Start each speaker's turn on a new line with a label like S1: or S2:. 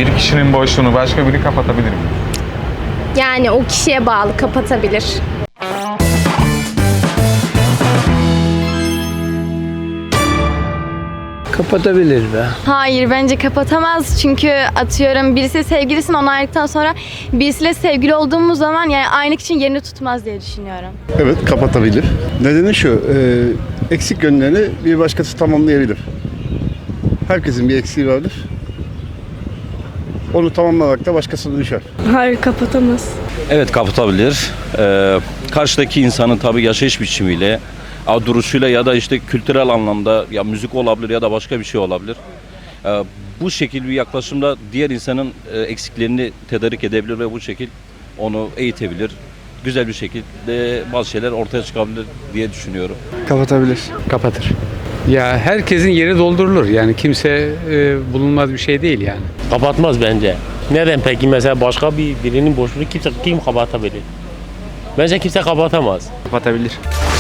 S1: Bir kişinin boşluğunu başka biri kapatabilir mi?
S2: Yani o kişiye bağlı, kapatabilir.
S3: Kapatabilir be.
S4: Hayır, bence kapatamaz çünkü atıyorum birisi sevgilisini onayladıktan sonra birisiyle sevgili olduğumuz zaman yani aynı kişinin yerini tutmaz diye düşünüyorum.
S5: Evet, kapatabilir. Nedeni şu, eksik yönlerini bir başkası tamamlayabilir. Herkesin bir eksiği vardır. Onu tamamlamakta başkasına düşer.
S6: Hayır, kapatamaz.
S7: Evet, kapatabilir. Karşıdaki insanın tabii yaşayış biçimiyle, duruşuyla ya da işte kültürel anlamda ya müzik olabilir ya da başka bir şey olabilir. Bu şekil bir yaklaşımda diğer insanın eksiklerini tedarik edebilir ve bu şekil onu eğitebilir. Güzel bir şekilde bazı şeyler ortaya çıkabilir diye düşünüyorum.
S3: Kapatabilir.
S8: Kapatır. Ya herkesin yeri doldurulur. Yani kimse bulunmaz bir şey değil yani.
S9: Kapatmaz bence. Neden peki mesela başka birinin boşluğunu kim kapatabilir? Bence kimse kapatamaz.
S3: Kapatabilir.